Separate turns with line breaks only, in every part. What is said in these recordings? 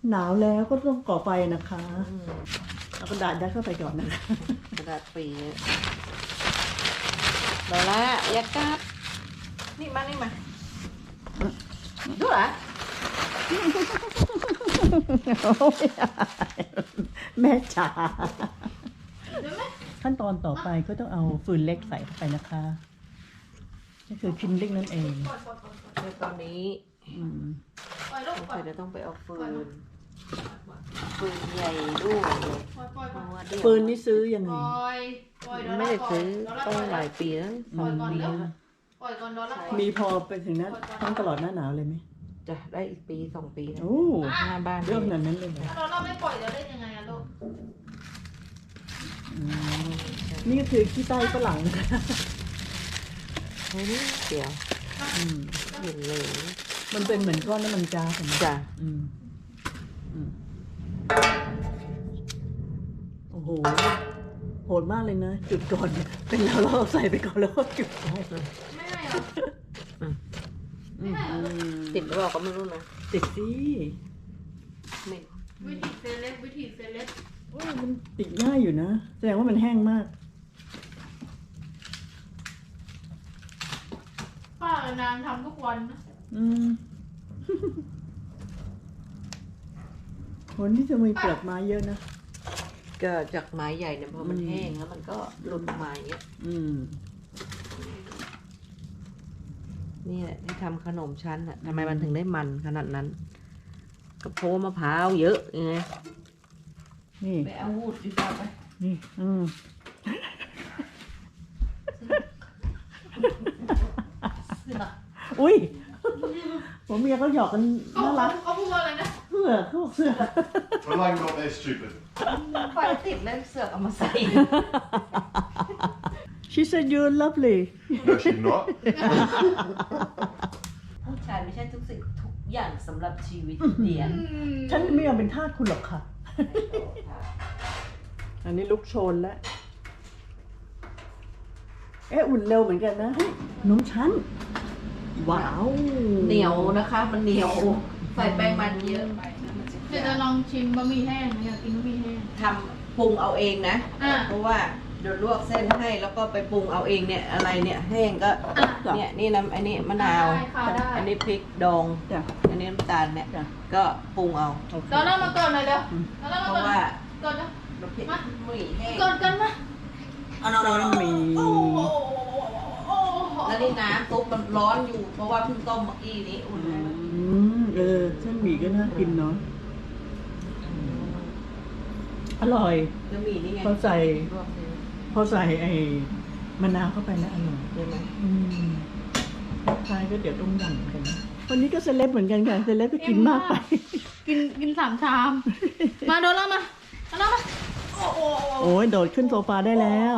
หนาวแล้วก็ต้องก่อไฟนะคะเอากระดาษยัดเข้าไปก่อนนะคะ
กระดาษปีเดี๋ยวละยัดกัดนี่มาดูเหรอ
แม่จ๋าขั้นตอนต่อไปก็ต้องเอาฟืนเล็กใส่เข้าไปนะคะนี่คือคินลิ่งนั่นเอง
ในตอนนี้เดี๋ยวต้องไปเอาฟืนใหญ่ด้วย
ฟืนนี่ซื้อยังไง
ไม่ได้ซื้อต้องหลายปีแล้ว2 ปี
มีพอไปถึงนั้นต้องตลอดหน้าหนาวเลยไหม
จะได้อีกปี2 ปีนะ
โอ้
หน้าบ้าน
เรื่องนั้นเลย
เราไม่ปล่อยเราได้ยังไงอะลูก
นี่ก็คือขี้ใต้ฝรั่งนะคะ
เดี๋ยวเห็นเลย
มันเป็นเหมือนก้อนน้ำมันก๊าซ
จ้ะ
โอ้โหโหดมากเลยนะจุดก่อนเป็นเราใส่ไปก่อนแล้วก็จุด
ไม่หรอ
ติดหรือเปล่าก็ไม่รู้นะ
ติดสิ
วิธีเซเลบ
มันติดง่ายอยู่นะแสดงว่ามันแห้งมาก
ป้านางทำทุกวันนะ
คนที่จะมีเปลือกไม้เยอะนะ
ก็จากไม้ใหญ่เนี่ยพอมันแห้งแล้วมันก็หลุดมาอย่างเงี้ยนี่แหละที่ทำขนมชั้นอ่ะทำไมมันถึงได้มันขนาดนั้นก็เพราะมะพร้าวเยอะไง
นี่
ไปเอาวูดดีกว่าไป
นี่อุ้ยผมเมียเขาหยอกกันน่ารัก
เขาพูดว่าอะไรนะ
เสื้อเขาบอกเสื้อ
Well, I'm not that stupid.
ไฟติดแล้วเสือกเอามาใส่
She said you're lovely.
No, she's not.
ผู้ชายไม่ใช่ทุกสิ่งทุกอย่างสำหรับชีวิตเดียน
ฉันไม่ยอมเป็นทาสคุณหรอกค่ะ อันนี้ลุกโชนแล้วอุ่นเร็วเหมือนกันนะนมชั้นว้าว
เหนียวนะคะมันเหนียวใส่แป้งมันเยอะไป
เดี๋ยวจะลองชิมบะหมี่แห้งอยากกินบะหมี่แห้ง
ทำปรุงเอาเองนะเพราะว่าเดี๋ยวลวกเส้นให้แล้วก็ไปปรุงเอาเองเนี่ยอะไรเนี่ยแห้งก็เนี่ยนี่น้ำอันนี้มะนาวอันนี้พริกดองอันนี้น้ำตาลเนี่ยก็ปรุงเอา
เราเล่ามาก่อนเลยเดี๋ยว
เพราะว่า
ก่อนนะ
มาหมี่แห้ง
ก่อนกันนะ
น้ำมี
แล้วนี่น้ำซุปมันร้อนอยู่เพราะว่าเพิ่งต้มเมื่อกี้นี้อุ่น
เส้นหมี่ก็น่ากินเนาะอร่อย
แล้วหมี่นี่ไง
พอใส่ไอ้มะนาวเข้าไปแล้วอร่อย
ใช่ไหม
คล้ายก็เดี๋ยวต้มยำกันวันนี้ก็เซเลบเหมือนกันค่ะเซเลบก็กินมากไป
กิน3 ชามมาโดนแล้วมา
โอ้ยโดดขึ้นโซฟาได้แล้ว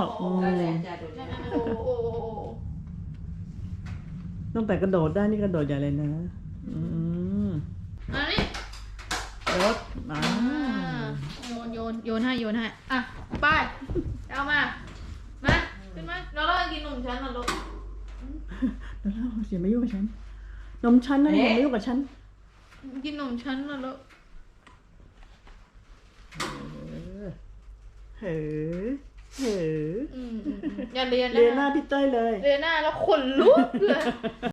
ตั้งแต่กระโดดได้นี่กระโดดใหญ่เลยนะ
อันนี้
รถ
โยนให้อ่ะไปเอามาขึ้นมาเรากินนมชั้นนะลูก
เราอย่ามายุ่งกับฉันนมชั้นนะอย่ามายุ่งกับฉัน
กินนมชั้นนะลูกอย่าเรียน
หน้าพี่เต้ยเลย
เรียนหน้าแล้วขนลุกเลย